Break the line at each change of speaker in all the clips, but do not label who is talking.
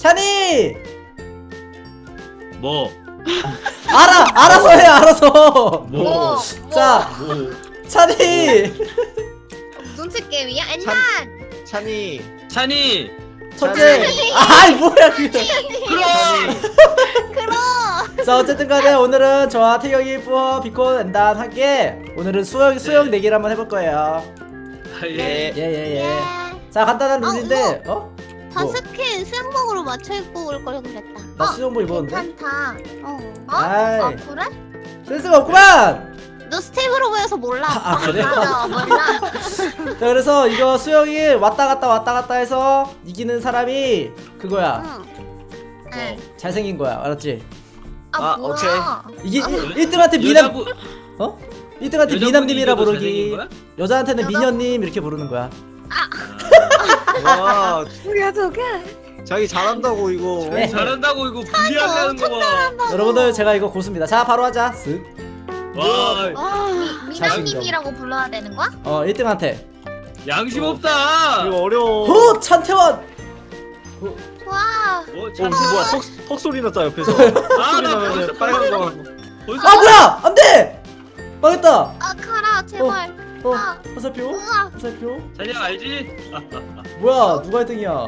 찬이!
뭐?
알아서 해, 알아서!
뭐?
자, 찬이!
눈치 게임이야? 엔단!
찬이.
찬이!
첫째! 아이, 뭐야, 그거!
그럼!
자, 어쨌든 간에 오늘은 저와 태경이, 뿌어, 비콘, 엔단 함께 오늘은 수영 내기를 한번 해볼 거예요.
아, 예.
예. 자, 간단한 룰인데, 어?
다
뭐?
스킨 수영복으로 맞춰 입고 올 걸 그랬다.
나 수영복 입었는데?
괜찮다.
아이,
그래?
센스가 없구만!
너 스텝으로 보여서 몰라.
아, 그래?
맞아, 몰라.
자, 그래서 이거 수영이 왔다 갔다 해서 이기는 사람이 그거야.
응.
잘생긴 거야. 알았지?
아, 뭐야.
이게 1등한테 미남,
여자분
1등한테 미남님이라
이겨도
부르기.
잘생긴 거야?
여자한테는 미녀님 이렇게 부르는 거야.
와,
뭐야, 저게?
자기 잘한다고 이거.
네.
잘한다고 이거 불리하다는 거 봐.
여러분들 제가 이거 고수입니다. 자, 바로 하자. 쓱.
와,
미남님이라고 불러야 되는 거야?
1등한테.
양심 없다.
이거 어려워.
호! 찬태원!
좋아.
어,
어, 뭐야? 턱 소리 났다 옆에서.
아,
소리
나
나면
벌써
빨간 거.
벌써
아, 뭐야! 안 돼! 망했다!
아, 가라, 제발. 아,
화살표?
우와.
화살표?
찬이야 알지?
뭐야, 누가 1등이야?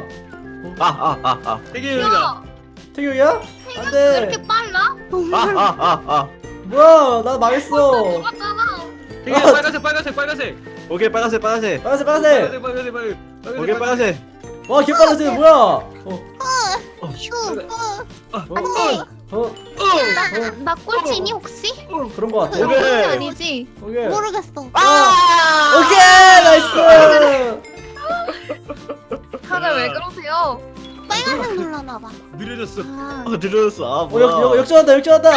되게 여기다.
야,
태경이야? 안
왜
돼!
이렇게 빨라?
뭐야, 나 망했어!
맞잖아.
되게 빨간색.
오케이, 빨간색.
빨간색!
빨간색.
오케이, 빨간색.
와, 개빨라지네, 뭐야!
휴. 나 꼴찌니 혹시?
그런 거 같아.
오케이.
꼴찌 아니지?
오케이.
모르겠어.
오케이! 나이스!
다들 왜 그러세요?
빨간색 눌러놔봐.
느려졌어.
들어졌어. 아,
어, 역전한다!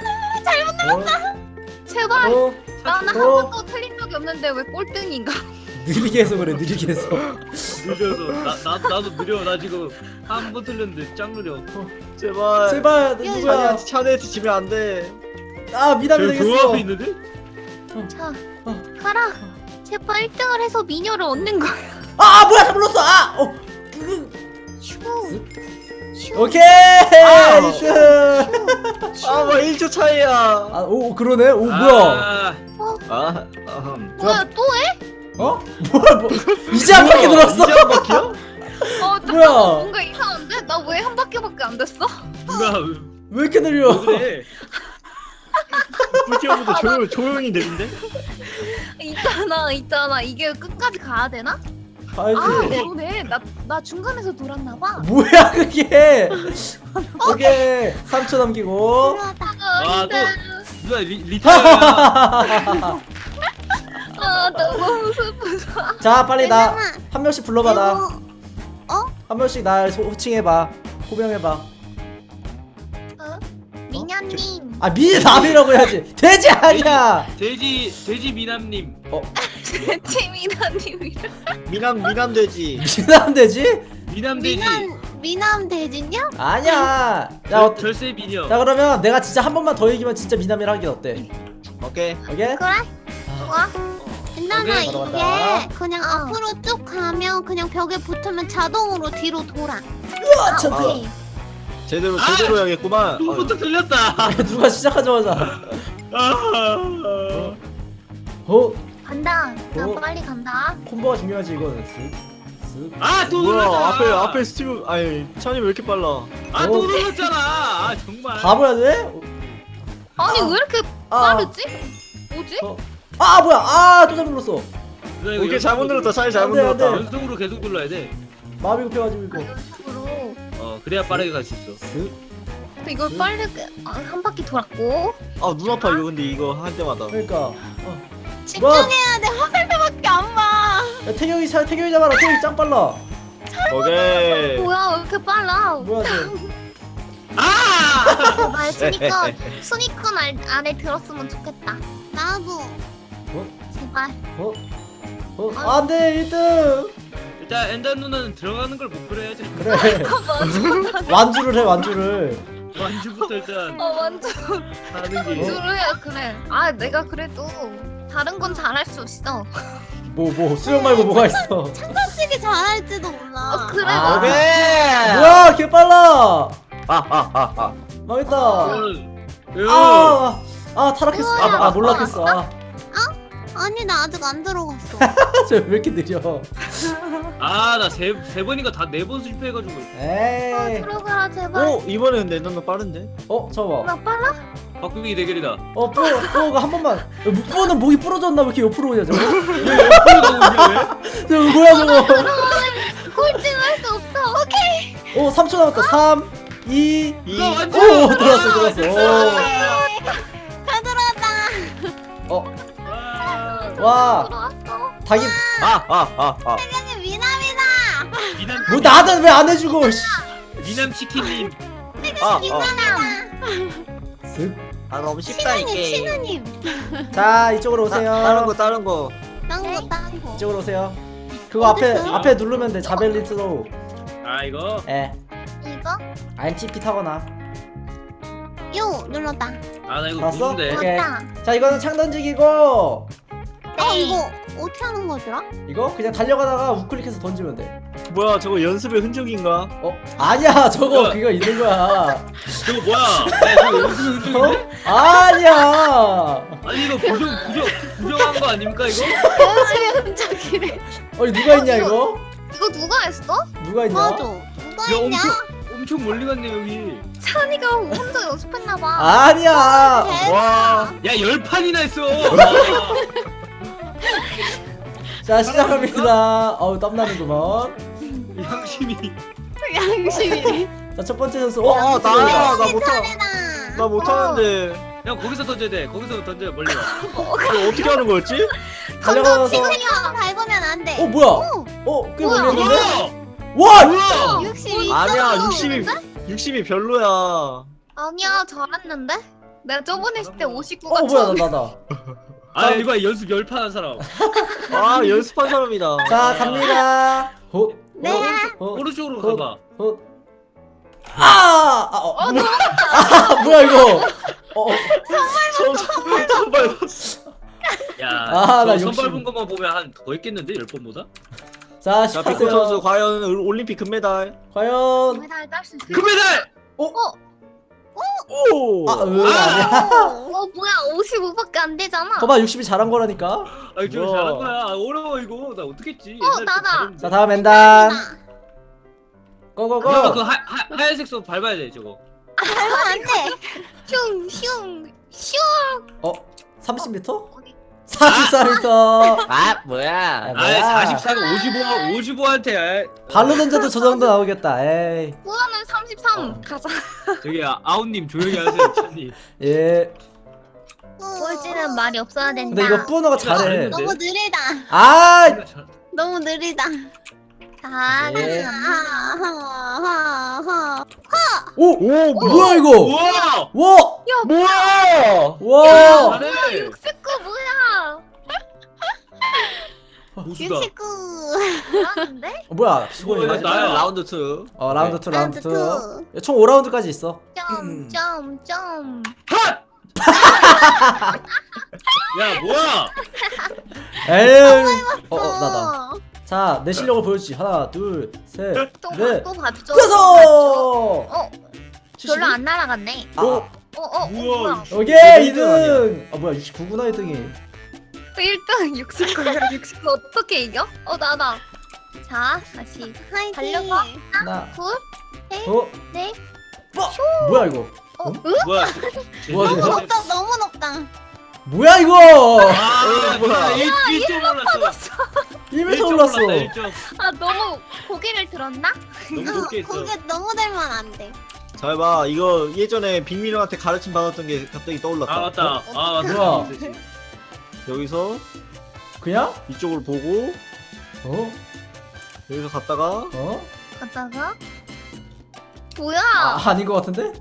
제발. 나는 한
어.
번도 틀린 적이 없는데 왜 꼴등인가?
느리게 해서 그래, 느리게 해서.
느려서. 나도 느려. 나 지금 한 번 틀렸는데 짱 느려.
제발.
제발, 누구야?
찬이한테 지면 안 돼.
아, 미남이
저기 그
되겠어.
앞에 있는데?
자, 가라. 제발 1등을 해서 미녀를 얻는 거야.
아, 뭐야, 다 불렀어! 아!
슈.
오케이!
아.
1등!
아, 뭐 1초 차이야.
아, 오, 그러네? 오, 뭐야?
아,
뭐야, 또 해?
어? 뭐야, 이제 한 바퀴 돌았어?
이제 한 바퀴야?
잠깐만,
뭐야?
뭔가 이상한데? 나 왜 한 바퀴밖에 안 됐어?
누나
왜 이렇게 느려?
왜 그래?
불티어부터 조용히 내린데?
있잖아. 이게 끝까지 가야 되나?
가야지.
아, 그러네. 나 중간에서 돌았나 봐.
뭐야, 그게? 오케이. 3초 남기고.
필요하다.
아, 또 누나 리타야.
아, 너무 슬프다.
자, 빨리 나
괜찮아.
한 명씩 불러봐, 나.
어?
한 명씩 날 호칭해봐. 호명해봐.
미녀님.
아, 미남이라고 해야지. 돼지 아니야!
돼지 미남님.
팀이나님이랑.
미남 돼지.
미남 돼지?
미남 돼지.
미남 대진이야?
아니야.
절세 미녀.
자, 그러면 내가 진짜 한 번만 더 이기면 진짜 미남이라 하긴 어때?
오케이.
오케이?
그래? 좋아. 괜찮아.
오케이,
이게
넘어간다.
그냥 앞으로 쭉 가면 그냥 벽에 붙으면 자동으로 뒤로 돌아.
우와, 참.
오케이.
제대로 해야겠구만.
누구부터 틀렸다.
누가 시작하자마자. 어?
간다. 나
어?
빨리 간다.
콤보가 중요하지, 이거는. 쓱, 쓱.
아또
뭐야?
눌렀잖아.
앞에 스티브. 아니, 찬이 왜 이렇게 빨라?
아또 눌렀잖아. 아 정말.
바보야, 돼?
아니, 왜 이렇게
아.
빠르지? 뭐지?
어. 아, 뭐야? 아, 또 잘못 눌렀어.
누나 이거
오케이, 잘못 눌렀다. 찬이 잘못
안 돼, 안 돼.
눌렀다.
연속으로 계속 눌러야 돼.
마음이 급해가지고, 이거.
연속으로.
그래야 빠르게 갈 수 있어.
쓱.
근데 이걸 빨리 한 바퀴 돌았고.
아, 눈 아파 이거 근데 이거 할 때마다.
그러니까.
집중해야 돼. 화살표밖에 안 봐.
야, 태경이 잡아라. 태경이 짱 빨라.
오케이.
뭐야, 왜 이렇게 빨라?
뭐야, 쟤.
아!
말 순위권 안에 들었으면 좋겠다. 나도. 제발.
안 돼, 1등.
일단 엔더 누나는 들어가는 걸 목표로 해야지.
그래. 완주를 해, 완주를.
완주부터 일단
완전
하는 게.
주루야, 그래. 아, 내가 그래도 다른 건 잘할 수 있어.
수영 말고 뭐가 있어.
솔직히 잘할지도 몰라.
그래.
아.
오케이.
뭐야 개 빨라.
아아아아.
망했다.
응.
아 타락했어. 아 몰락했어.
아니 나 아직 안 들어갔어.
저 왜 이렇게 느려?
아나 세 번인가 다 4번 실패해가지고.
에이.
들어가라 제발.
오 이번엔 내 눈은 빠른데.
저거.
나 빨라?
바꾸기 대결이다.
뿌어가 한 번만. 뿌어는 목이 부러졌나 왜 이렇게 옆으로 오냐 저거?
바꾸기가 뭐냐 왜?
저거 뭐야 저거?
꼴찌할 수 없어. 오케이.
3초 남았다. 3, 2,
이거 완전.
들어왔어.
다 들어왔다.
와
들어왔어.
닭이
아아아아.
태경이 미남이다.
미남.
뭐 나는 왜 안 해주고? 씨.
미남 치킨님.
쓱.
아 너무 쉽다 이 게임.
신우님.
자 이쪽으로 오세요.
다른 거.
딴 거.
이쪽으로 오세요. 그거 앞에 누르면 돼. 자벨린 스로우.
아 이거.
예.
이거?
IMTP 타거나.
요 눌렀다.
아 나 이거
봤어?
무슨데?
오케이.
맞다.
자 이거는 창 던지기고
이거 어떻게 하는 거더라?
이거 그냥 달려가다가 우클릭해서 던지면 돼.
뭐야 저거 연습의 흔적인가?
아니야 저거
뭐야?
그거 있는 거야.
저거 뭐야? 야 저거 무슨 흔적인데?
아니야.
아니 이거 부정한 거 아닙니까 이거?
연습의 흔적이래.
아니 누가 있냐 이거?
이거 누가 했어?
누가 있냐?
맞아. 누가
야
있냐?
엄청 멀리 갔네 여기.
찬이가 혼자 연습했나봐.
아니야.
와.
야 10판이나 했어.
자 시작합니다. 땀나는구먼.
양심이.
양심이.
자 첫 번째 선수.
나야 나 못하.
차례다.
나 못하는데.
야 거기서 던져야 돼. 거기서 던져 멀리 가.
이거 어떻게 하는 거였지?
달려가서.
치즈처럼 밟으면 안 돼.
뭐야? 꽤
뭐야?
멀리했는데?
뭐야?
와!
뭐야?
62.
아니야 60이 별로야.
아니야 잘했는데? 내가 저번에 했을 때 59가
뭐야 나다.
아 이거 연습 10판 한 사람.
아 연습한 사람이다.
자 갑니다.
네.
오른쪽으로 가봐.
뭐야 이거?
정말
야,
나
저
욕심.
선발 본 것만 보면 한 더 했겠는데 10번보다?
자
자 비코 선수
시작하세요.
과연 올림픽 금메달.
과연
메달 딸수 있어.
금메달!
오.
아니야.
뭐야 55밖에 안 되잖아.
거봐 60이 잘한 거라니까.
아 좀
우와.
잘한 거야. 어려워 이거. 나 어떻게 했지?
나다.
자 다음 엔단.
그러면
고고고.
그 하얀색 소 밟아야 돼 저거.
밟으면 안 돼.
슝슝 슝.
30m?
어디?
44m.
아 뭐야?
아 44가 55한테
발로 던져도 저 정도 나오겠다. 에이.
후원은 33 가자.
저기 아웃님 조용히 하세요 찬님.
예.
꼴찌는 말이 없어야 된다.
근데 이거 뿌너가 잘해.
너무 느리다.
아!
너무 느리다.
자,
예.
하하하하.
오! 뭐야 이거?
우와!
와!
뭐야?
와!
잘해.
69 뭐야?
고수다.
69.
잘하는데?
뭐야? 수고해.
뭐야,
마지막
나야.
라운드 2.
라운드 2 라운드
라운드
2. 총 5라운드까지 있어.
점점점.
핫! 야 뭐야?
에이. 나다. 자, 내 실력을 보여주지. 하나, 둘, 셋, 넷,
또 봤죠?
다섯.
별로 안 날아갔네.
오,
우와.
뭐야?
오케이
1등 아니야.
2등. 뭐야 69구나 1등이.
1등 69야 69 어떻게 이겨? 나다. 자, 다시
화이팅.
달려봐.
하나,
둘, 넷.
뭐야 이거?
뭐야?
뭐야,
너무
이거?
높다. 너무 높다.
뭐야 이거?
아
뭐야.
1점 올랐어.
1m 올랐어.
1점.
아 너무 고개를 들었나?
너무 높게 있어.
고개 너무 들면 안 돼.
잘 봐. 이거 예전에 빅민호한테 가르침 받았던 게 갑자기 떠올랐다.
아 맞다. 아 맞다.
뭐야?
여기서
그냥?
이쪽을 보고
어?
여기서 갔다가
어?
갔다가 뭐야?
아닌 것 같은데?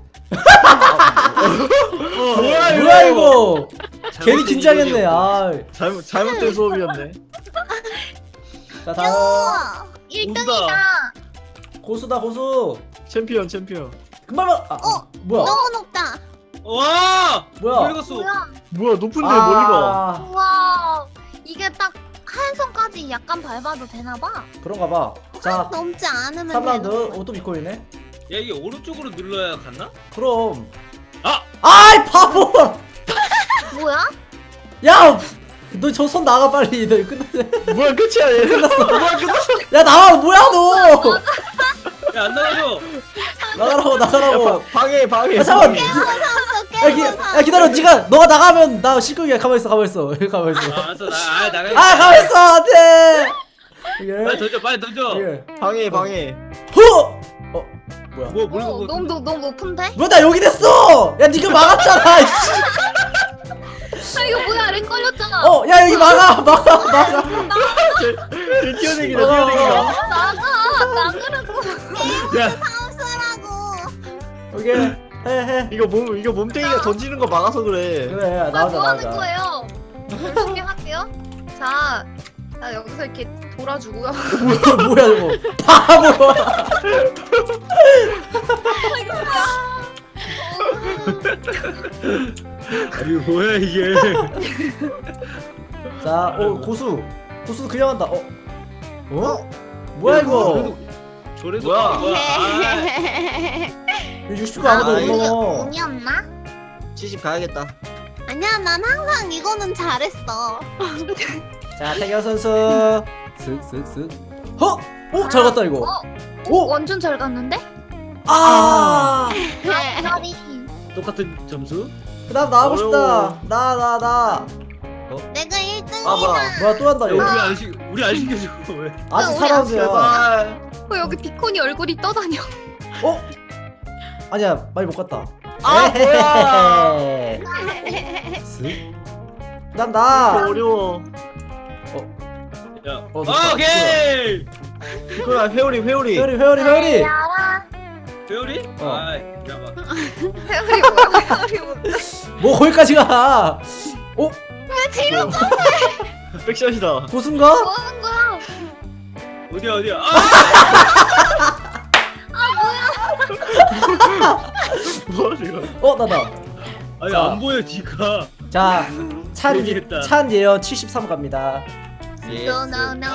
뭐야
이거? 괜히
잘못된
긴장했네.
이론이었고.
잘못된 수업이었네.
자 다음
1등이다.
고수다 고수.
챔피언.
금방 뭐야?
너무 높다.
와!
뭐야?
멀리 갔어.
뭐야 높은데 멀리 가.
우와 이게 딱 한 손까지 약간 밟아도 되나봐.
그런가 봐. 자
넘지 않으면
3라운드 오 또 비코이네.
야 이게 오른쪽으로 눌러야 갔나?
그럼
아!
아이 바보.
뭐야?
야 너 저 손 나가 빨리. 너 이거 끝났네.
뭐야 끝이야 얘. 뭐야 끝났어.
야 나와 뭐야 너.
야 안 나가줘.
나가라고 나가라고.
방해.
야 잠깐.
깨워서
야 기다려. 네가 너가 나가면 나 실격이야. 가만 있어. 가만 있어. 가만 있어.
알았어 나가.
아 가만 있어. 안돼.
빨리 던져 빨리 던져.
방해.
후. 뭐야?
뭐 물고
너무 높은데?
왜 나 여기 됐어? 야 니가 막았잖아. 씨.
아 이거 뭐야 랭 걸렸잖아.
야 여기 막아.
뛰어내기다.
나가라고.
야
사우스라고.
오케이 해.
이거 몸뚱이가 던지는 거 막아서 그래.
그래 나오자
뭐 하는
나오자.
거예요? 열심히 할게요. 자 여기서 이렇게 돌아주고요.
뭐야 이거 바보.
아니 뭐야 이게.
자, 고수 그냥 한다. 뭐야 이거?
저래도
뭐야?
이거 69 아무도 못
이거
넘어.
운이었나?
70 가야겠다.
아니야 난 항상 이거는 잘했어.
자, 태경 선수. 슥슥슥. 잘 갔다 이거. 오!
완전 잘 갔는데?
아!
별이.
똑같은 점수?
그다음 나가고 싶다.
어려워.
나.
내가 1등이다.
아
뭐야 또 한다
야,
이거.
우리 안 시켜줘 왜?
아직
우리
4라운드야.
제발.
여기 비콘이 얼굴이 떠다녀.
아니야, 많이 못 갔다.
아 뭐야.
슥. 그다음 나.
어려워.
야
좋다.
오케이.
이거야 회오리.
회오리.
알아.
배우리? 아 잠깐만.
회오리 뭐야? 회오리 뭐야?
뭐 거기까지 가.
왜 뒤로
백샷이다.
고수인가?
뭐 하는 거야?
어디야
뭐야 지금.
나다.
아니
자.
안 보여 뒤가.
자,
모르겠다.
찬 예언 73 갑니다.
No no no.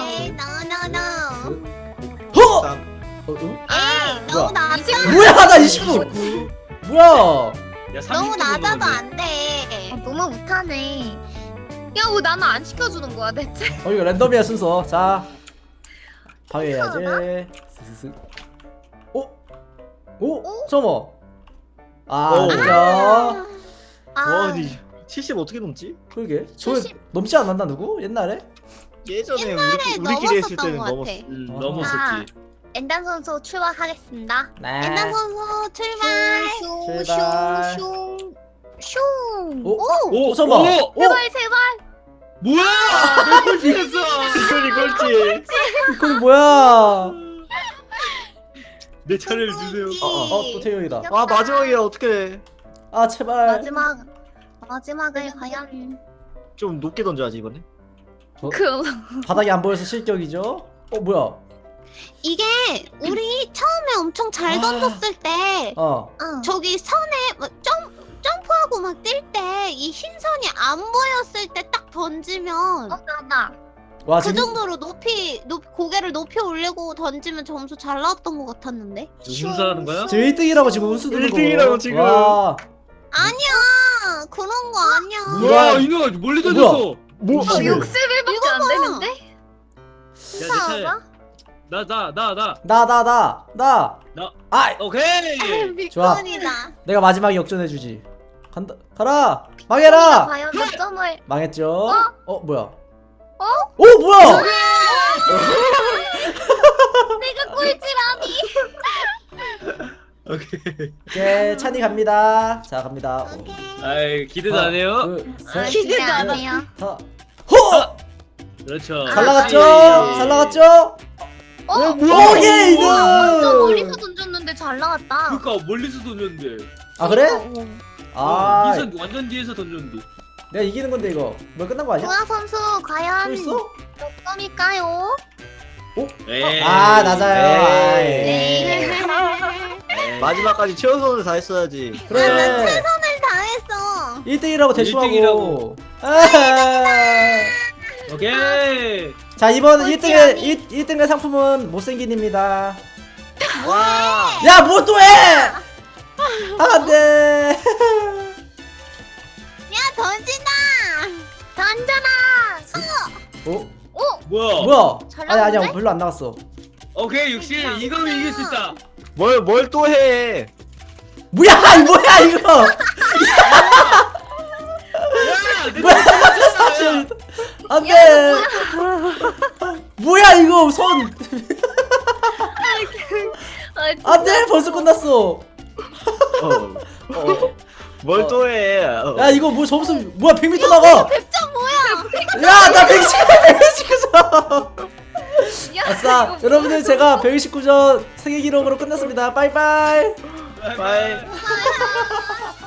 허!
아 너무 낮아.
뭐야 나 29. 뭐야?
야
너무
30분
낮아도
넘었네.
안 돼. 너무 못하네. 야, 왜 나는 안 시켜주는 거야 대체?
이거 랜덤이야 순서. 자, 방해해야지. 슥슥슥. 잠깐만.
오.
그죠?
와 근데 70 어떻게 넘지?
그러게. 저
70.
넘지 않았나 누구? 옛날에?
예전에
옛날에
우리끼리 했을
넘었었던
때는
것
넘었어.
같아.
넘었었지.
엔단 선수 출발하겠습니다.
네.
엔단 선수 출발.
출발.
슝.
오.
오.
잠깐만.
제발 제발.
뭐야? 내골 찍었어.
이건이 꼴찌.
이건 뭐야?
내 차례를 주세요.
또 태용이다.
아 마지막이야 어떡해.
아 제발.
마지막을 과연.
좀 높게 던져야지 이번에.
그
바닥이 안 보여서 실격이죠? 뭐야?
이게 우리 처음에 엄청 잘 던졌을 때 저기 선에 막 점프하고 막 뛸 때 이 흰선이 안 보였을 때 딱 던지면 나다.
와
그 정도로 높이 고개를 높이 올리고 던지면 점수 잘 나왔던 것 같았는데.
운수하는 거야?
지금 1등이라고 지금 운수 드는 거.
1등이라고 지금.
와.
아니야 그런 거 아니야.
누가-
와 이놈아 멀리 던졌어.
뭐
이거
지금.
60일밖에 안 되는데?
야내 차례. 나.
나. 아,
오케이.
좋아.
비콘이다.
내가 마지막에 역전해 주지. 간다. 가라. 망해라.
과연 몇 점을?
망했죠? 뭐야? 뭐야?
내가 꼴찌라니.
오케이.
오케이, 찬이 갑니다. 자, 갑니다.
아이 기대도 안 해요.
둘, 셋,
기대도 안
넷,
해요.
다. 허!
그렇죠.
잘 나갔죠?
그렇지.
잘 나갔죠? 오케이,
완전
2등!
멀리서 던졌는데 잘 나갔다.
그러니까 멀리서 던졌는데.
그래? 아,
이선 완전 뒤에서 던졌는데.
내가 이기는 건데 이거. 뭐 끝난 거 아니야?
조아 선수 과연
또 있어?
몇 점일까요?
에이.
아, 낮아요. 아이.
네.
마지막까지 최우선을 다 했어야지.
그래.
최선을 다했어.
1등이라고 대충
1등이라고.
하고. 아,
오케이.
자 이번
꼴찌
1등의 상품은 못생긴입니다.
와.
야 뭐 또 해? 안돼.
야 던진다.
던져라.
어?
뭐야?
뭐야?
잘
아니야
나오는데?
별로 안 나왔어.
오케이 60 이거면 이길 수 있다.
뭘 또 해?
뭐야 뭐야 이거?
야내
뭐야?
야
안돼. 뭐야 이거 손? 안돼 벌써 끝났어.
뭘 또 해?
야 이거 뭐 점수 뭐야 100m 나가.
100점 뭐야?
야나 119점. 아싸 여러분들 제가 129점 세계 기록으로 끝났습니다. 빠이빠이.
바이.
아,